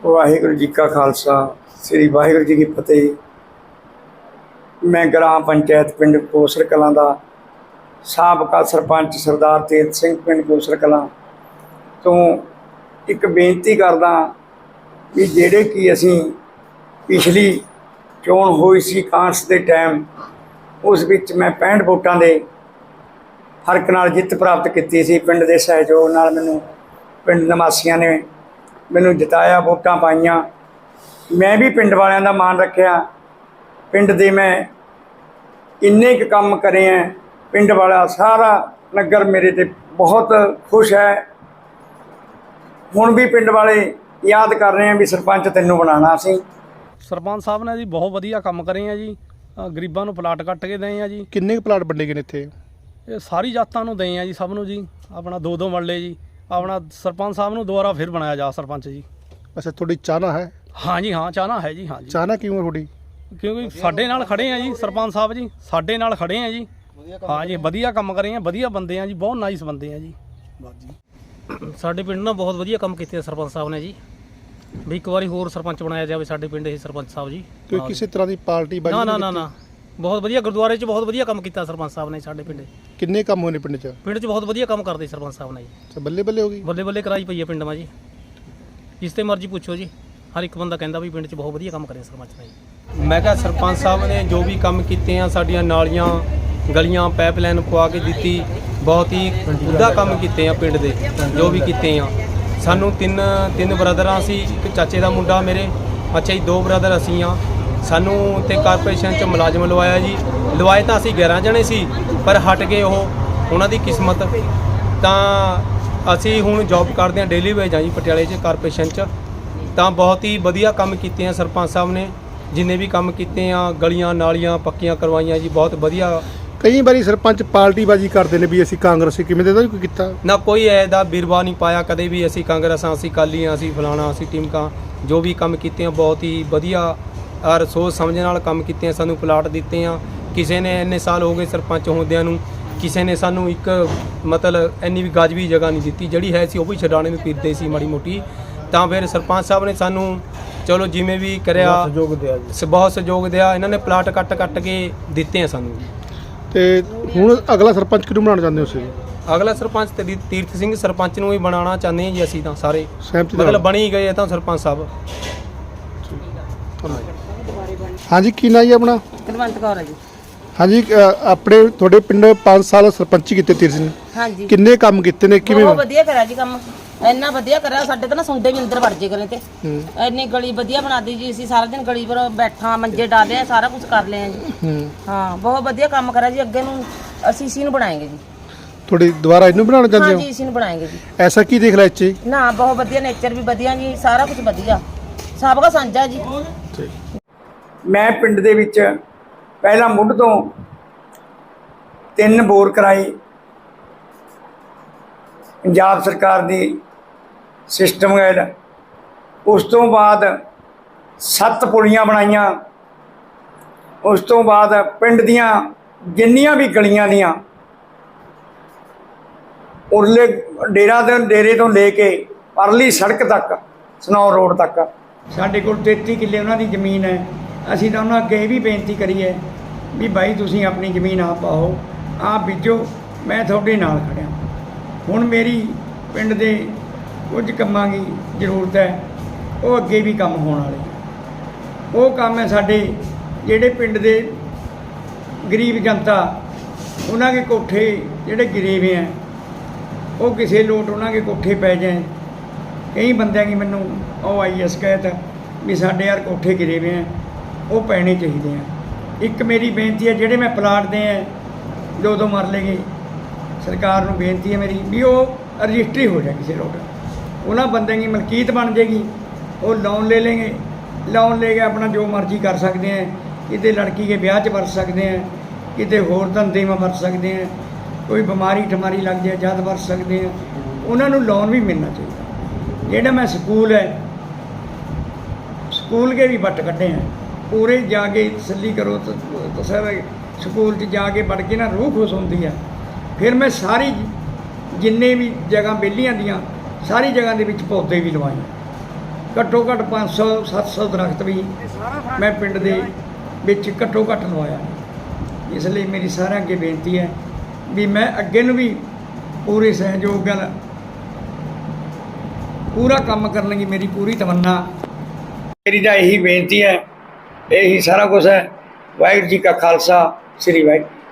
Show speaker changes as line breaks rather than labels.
वाहिगुरू जी का खालसा श्री वाहिगुरू जी की फतेह। मैं ग्राम पंचायत पिंड कोसर कलां दा साबका सरपंच सरदार तेज सिंह पिंड कोसर कलां तो एक बेनती करदा भी ਜਿਹੜੇ कि असीं पिछली चोण होई सी कांग्रेस के टाइम उस विच मैं 65 वोटां दे फर्क नाल जिੱਤ प्राप्त की सी। पिंड के सहयोग नाल मैनूं पिंड निवासियों ने मैनूं जिताया, वोटां पाईयां। मैं भी पिंड वालियां दा मान रखिया। पिंड दे मैं इन्ने क काम करे हैं, पिंड वाला सारा नगर मेरे ते बहुत खुश है। हुण भी पिंड वाले याद कर रहे हैं भी सरपंच तैनूं बनाना सी।
सरपंच साहब ने जी बहुत वधिया काम करे हैं जी। गरीबां नूं प्लाट कट के दए हैं जी।
किन्ने प्लाट वंडे गए ने इत्थे?
ये सारी जातां नूं दए हैं जी, सब नूं जी। अपना 2-2 मरले जी। अपना सरपंच साहब नूं दोबारा फिर बनाया जा सरपंच जी।
अच्छा, थोड़ी चाहना है?
हाँ जी, हाँ चाहना है जी। हाँ जी,
चाहना क्यों है थोड़ी?
क्योंकि साडे नाल खड़े हैं जी सरपंच साहब जी, साडे नाल खड़े हैं जी। हाँ जी, वधिया काम करे हैं, वधिया बंदे हैं जी, बहुत नाइस बंदे हैं जी।
ਸਾਡੇ ਪਿੰਡ ਨਾਲ ਬਹੁਤ ਵਧੀਆ ਕੰਮ ਕੀਤੇ ਸਰਪੰਚ ਸਾਹਿਬ ਨੇ ਜੀ। ਵੀ ਇੱਕ ਵਾਰੀ ਹੋਰ ਸਰਪੰਚ ਬਣਾਇਆ ਜਾਵੇ ਸਾਡੇ ਪਿੰਡ ਇਹ ਸਰਪੰਚ ਸਾਹਿਬ ਜੀ।
कोई किसी तरह की पार्टी बाजी
ਨਾ ਨਾ
नहीं
ਨਾ
कीती?
ਨਾ ਬਹੁਤ ਵਧੀਆ ਗੁਰਦੁਆਰੇ 'ਚ ਬਹੁਤ ਵਧੀਆ ਕੰਮ ਕੀਤਾ ਸਰਪੰਚ ਸਾਹਿਬ ਨੇ ਸਾਡੇ ਪਿੰਡ।
किन्ने काम होने पिंड च?
ਪਿੰਡ 'ਚ ਬਹੁਤ ਵਧੀਆ ਕੰਮ ਕਰਦੇ ਸਰਪੰਚ ਸਾਹਿਬ ਨੇ ਜੀ।
अच्छा, बल्ले बल्ले होगी।
ਬੱਲੇ ਬੱਲੇ ਕਰਾਈ ਪਈ ਹੈ ਪਿੰਡ ਮਾ ਜੀ। ਜਿਸ ਤੇ ਮਰਜ਼ੀ ਪੁੱਛੋ ਜੀ, ਹਰ ਇੱਕ ਬੰਦਾ ਕਹਿੰਦਾ ਵੀ ਪਿੰਡ 'ਚ ਬਹੁਤ ਵਧੀਆ ਕੰਮ ਕਰਿਆ ਸਰਪੰਚ ਨੇ ਜੀ।
ਮੈਂ ਕਿਹਾ ਸਰਪੰਚ ਸਾਹਿਬ ਨੇ ਜੋ ਵੀ ਕੰਮ ਕੀਤੇ ਆ, ਸਾਡੀਆਂ ਨਾਲੀਆਂ ਗਲੀਆਂ ਪਾਈਪਲਾਈਨ ਪਵਾ ਕੇ ਦਿੱਤੀ, ਬਹੁਤ ਹੀ ਉੱਦਾ ਕੰਮ ਕੀਤੇ ਆ ਪਿੰਡ ਦੇ ਜੋ ਵੀ ਕੀਤੇ ਆ। ਸਾਨੂੰ ਤਿੰਨ ਬ੍ਰਦਰਾਂ ਸੀ, ਇੱਕ ਚਾਚੇ ਦਾ ਮੁੰਡਾ ਮੇਰੇ, ਅੱਛਾ ਜੀ 2 ਬ੍ਰਦਰ ਅਸੀਂ ਆ। ਸਾਨੂੰ ਤੇ ਕਾਰਪੋਰੇਸ਼ਨ 'ਚ ਮੁਲਾਜ਼ਮ ਲਵਾਇਆ ਜੀ। ਲਵਾਏ ਤਾਂ ਅਸੀਂ 11 ਜਣੇ ਸੀ, ਪਰ ਹਟ ਗਏ ਉਹ, ਉਹਨਾਂ ਦੀ ਕਿਸਮਤ। ਤਾਂ ਅਸੀਂ ਹੁਣ ਜੌਬ ਕਰਦੇ ਹਾਂ ਡੇਲੀ ਵੇਜ ਆ ਜੀ ਪਟਿਆਲੇ 'ਚ ਕਾਰਪੋਰੇਸ਼ਨ 'ਚ। ਤਾਂ ਬਹੁਤ ਹੀ ਵਧੀਆ ਕੰਮ ਕੀਤੇ ਆ ਸਰਪੰਚ ਸਾਹਿਬ ਨੇ, ਜਿੰਨੇ ਵੀ ਕੰਮ ਕੀਤੇ ਆ, ਗਲੀਆਂ ਨਾਲੀਆਂ ਪੱਕੀਆਂ ਕਰਵਾਈਆਂ ਜੀ, ਬਹੁਤ ਵਧੀਆ।
कई बारी सरपंच पार्टी बाजी करते हैं भी असी कांग्रेसी, किवें दे कोई किता?
ਨਾ ਕੋਈ ਐਦਾ ਬਿਰਵਾ ਨਹੀਂ ਪਾਇਆ ਕਦੇ ਵੀ। ਅਸੀਂ ਕਾਂਗਰਸ ਹਾਂ, ਅਸੀਂ ਅਕਾਲੀ ਹਾਂ, ਅਸੀਂ ਫਲਾਣਾ, ਅਸੀਂ ਟੀਮਕਾ, ਜੋ ਵੀ ਕੰਮ ਕੀਤੇ ਆ ਬਹੁਤ ਹੀ ਵਧੀਆ ਔਰ ਸੋਚ ਸਮਝ ਨਾਲ ਕੰਮ ਕੀਤੇ ਆ। ਸਾਨੂੰ ਪਲਾਟ ਦਿੱਤੇ ਆ। ਕਿਸੇ ਨੇ ਇੰਨੇ ਸਾਲ ਹੋ ਗਏ ਸਰਪੰਚ ਹੁੰਦਿਆਂ ਨੂੰ, ਕਿਸੇ ਨੇ ਸਾਨੂੰ ਇੱਕ ਮਤਲਬ ਇੰਨੀ ਵੀ ਗਜ ਵੀ ਜਗ੍ਹਾ ਨਹੀਂ ਦਿੱਤੀ। ਜਿਹੜੀ ਹੈ ਸੀ ਉਹ ਵੀ ਛਡਾਣੇ ਨੂੰ ਫਿਰਦੇ ਸੀ ਮਾੜੀ ਮੋਟੀ। ਤਾਂ ਫਿਰ ਸਰਪੰਚ ਸਾਹਿਬ ਨੇ ਸਾਨੂੰ ਚਲੋ ਜਿਵੇਂ ਵੀ ਕਰਿਆ ਬਹੁਤ ਸਹਿਯੋਗ ਦਿਆ। ਇਹਨਾਂ ਨੇ ਪਲਾਟ ਕੱਟ ਕੇ ਦਿੱਤੇ ਆ ਸਾਨੂੰ।
ਤੇ ਹੁਣ ਅਗਲਾ ਸਰਪੰਚ ਕਿਹਨੂੰ ਬਣਾਉਣਾ ਚਾਹੁੰਦੇ ਹੋ ਤੁਸੀਂ?
ਅਗਲਾ ਸਰਪੰਚ ਤੇ ਤੀਰਥ ਸਿੰਘ ਸਰਪੰਚ ਨੂੰ ਹੀ ਬਣਾਉਣਾ ਚਾਹੁੰਦੇ ਹਾਂ ਜੀ ਅਸੀਂ ਤਾਂ ਸਾਰੇ,
ਸਹਿਮਤੀ ਨਾਲ?
ਮਤਲਬ ਬਣੀ ਗਏ ਤਾਂ ਸਰਪੰਚ ਸਾਹਿਬ।
ਹਾਂਜੀ, ਕੀ ਨਾਂ ਜੀ ਆਪਣਾ?
ਕੁਲਵੰਤ ਕੌਰ ਹੈ ਜੀ।
ਹਾਂਜੀ, ਆਪਣੇ ਤੁਹਾਡੇ ਪਿੰਡ 5 ਸਾਲ ਸਰਪੰਚੀ ਕੀਤੇ ਤੀਰ ਸਿੰਘ,
ਹਾਂਜੀ,
ਕਿੰਨੇ ਕੰਮ ਕੀਤੇ ਨੇ, ਕਿਵੇਂ?
ਬਹੁਤ ਵਧੀਆ ਕਰਿਆ ਜੀ ਕੰਮ, ਇੰਨਾ ਵਧੀਆ ਕਰਿਆ। ਸਾਡੇ ਤਾਂ ਨਾ ਸੁੰਡੇ ਵੀ ਅੰਦਰ ਵੜ ਜੇ ਕਰੇ ਤੇ ਇੰਨੀ ਗਲੀ ਵਧੀਆ ਬਣਾ ਦਿੱਤੀ ਜੀ। ਅਸੀਂ ਸਾਰਾ ਦਿਨ ਗਲੀ ਪਰ ਬੈਠਾ, ਮੰਜੇ ਡਾਲੇ ਆ, ਸਾਰਾ ਕੁਝ ਕਰ ਲਿਆ ਜੀ। ਹਾਂ, ਬਹੁਤ ਵਧੀਆ ਕੰਮ ਕਰਿਆ ਜੀ। ਅੱਗੇ ਨੂੰ ਅਸੀਂ ਇसी ਨੂੰ ਬਣਾਏਂਗੇ ਜੀ।
ਤੁਹਾਡੇ ਦੁਬਾਰਾ ਇਹਨੂੰ ਬਣਾਉਣਾ ਚਾਹੁੰਦੇ
ਹਾਂ
ਹੋ?
ਜੀ, ਇसी ਨੂੰ ਬਣਾਏਂਗੇ ਜੀ।
ਐਸਾ ਕੀ ਦੇਖ ਲਿਆ ਇੱਥੇ?
ਨਾ, ਬਹੁਤ ਵਧੀਆ ਨੇਚਰ ਵੀ ਵਧੀਆ ਜੀ, ਸਾਰਾ ਕੁਝ ਵਧੀਆ, ਸਭ ਦਾ ਸਾਂਝਾ ਜੀ।
मैं पिंड दे विच पहला मुੱਢ ਤੋਂ 3 बोर कराई। पंजाब सरकार दी सिस्टम गाइड, उस तो बाद 7 पुलियां बनाईयां। उस तो बाद पिंड दियां जिन्नियां भी गलियां दियां उरले डेरे तो लेके परली सड़क तक सनौर रोड तक साडे कोल 33 किੱਲੇ उन्हां दी जमीन है। ਅਸੀਂ ਤਾਂ ਉਹਨਾਂ ਅੱਗੇ ਇਹ ਵੀ ਬੇਨਤੀ ਕਰੀਏ ਵੀ ਬਾਈ ਤੁਸੀਂ ਆਪਣੀ ਜ਼ਮੀਨ ਆਪ ਪਾਓ, ਆਪ ਬੀਜੋ, ਮੈਂ ਤੁਹਾਡੇ ਨਾਲ ਖੜਿਆ। ਹੁਣ ਮੇਰੀ ਪਿੰਡ ਦੇ ਕੁਝ ਕੰਮਾਂ ਦੀ ਜ਼ਰੂਰਤ ਹੈ, ਉਹ ਅੱਗੇ ਵੀ ਕੰਮ ਹੋਣ ਵਾਲੇ। ਉਹ ਕੰਮ ਹੈ ਸਾਡੇ ਜਿਹੜੇ ਪਿੰਡ ਦੇ ਗਰੀਬ ਜਨਤਾ, ਉਹਨਾਂ ਦੇ ਕੋਠੇ ਜਿਹੜੇ ਗਿਰੇ ਹੋਏ ਹੈ, ਉਹ ਕਿਸੇ ਲੋਟ ਉਹਨਾਂ ਦੇ ਕੋਠੇ ਪੈ ਜਾਏ। ਕਈ ਬੰਦਿਆਂ ਦੀ ਮੈਨੂੰ ਉਹ ਆਈ ਹੈ ਸ਼ਿਕਾਇਤ ਵੀ ਸਾਡੇ ਯਾਰ ਕੋਠੇ ਗਿਰੇ ਹੋਏ ਹੈ, ਉਹ ਪੈਣੇ ਚਾਹੀਦੇ ਆ। ਇੱਕ ਮੇਰੀ ਬੇਨਤੀ ਹੈ, ਜਿਹੜੇ ਮੈਂ ਪਲਾਟ ਦੇ ਹੈ 2-2 ਮਰਲੇ ਗਏ, ਸਰਕਾਰ ਨੂੰ ਬੇਨਤੀ ਹੈ ਮੇਰੀ ਵੀ ਉਹ ਰਜਿਸਟਰੀ ਹੋ ਜਾਏ ਕਿਸੇ ਰੋਡ, ਉਹਨਾਂ ਬੰਦਿਆਂ ਦੀ ਮਲਕੀਤ ਬਣ ਜਾਏਗੀ। ਉਹ ਲੋਨ ਲੈ ਲੈਂਗੇ, ਲੋਨ ਲੈ ਕੇ ਆਪਣਾ ਜੋ ਮਰਜ਼ੀ ਕਰ ਸਕਦੇ ਹੈ। ਕਿਤੇ ਲੜਕੀ ਦੇ ਵਿਆਹ 'ਚ ਵਰਤ ਸਕਦੇ ਹੈ, ਕਿਤੇ ਹੋਰ ਧੰਦੇ में ਵਰਤ ਸਕਦੇ ਹੈ, ਕੋਈ ਬਿਮਾਰੀ ਠਮਾਰੀ ਲੱਗ ਜਾਏ ਜਦ ਵਰਤ ਸਕਦੇ ਹੈ। ਉਹਨਾਂ ਨੂੰ ਲੋਨ ਵੀ ਮਿਲਣਾ ਚਾਹੀਦਾ। ਜਿਹੜਾ ਮੈਂ ਸਕੂਲ ਹੈ, ਸਕੂਲ के भी ਵੱਟ ਕੱਢੇ हैं, पूरे जाके तसली करो तो सर स्कूल जाके पढ़ के ना रूह खुश होती है। फिर मैं सारी जिन्ने भी जगह बेलियां दियाँ सारी जगह के पौधे भी लवाए। ਘੱਟੋ ਘੱਟ 500 700 ਦਰਖਤ ਵੀ ਮੈਂ ਪਿੰਡ ਦੇ ਵਿੱਚ ਘੱਟੋ ਘੱਟ ਲਵਾਇਆ। ਇਸ ਲਈ ਮੇਰੀ ਸਾਰਿਆਂ ਅੱਗੇ ਬੇਨਤੀ ਹੈ ਵੀ ਮੈਂ ਅੱਗੇ ਨੂੰ ਵੀ ਪੂਰੇ ਸਹਿਯੋਗ ਨਾਲ ਪੂਰਾ ਕੰਮ ਕਰਨ ਦੀ ਮੇਰੀ ਪੂਰੀ ਤਮੰਨਾ। ਮੇਰੀ ਤਾਂ ਇਹੀ ਬੇਨਤੀ ਹੈ, ਇਹੀ ਸਾਰਾ ਕੁਛ ਹੈ। ਵਾਹਿਗੁਰੂ ਜੀ ਕਾ ਖਾਲਸਾ, ਸ੍ਰੀ ਵਾਹਿਗੁਰੂ।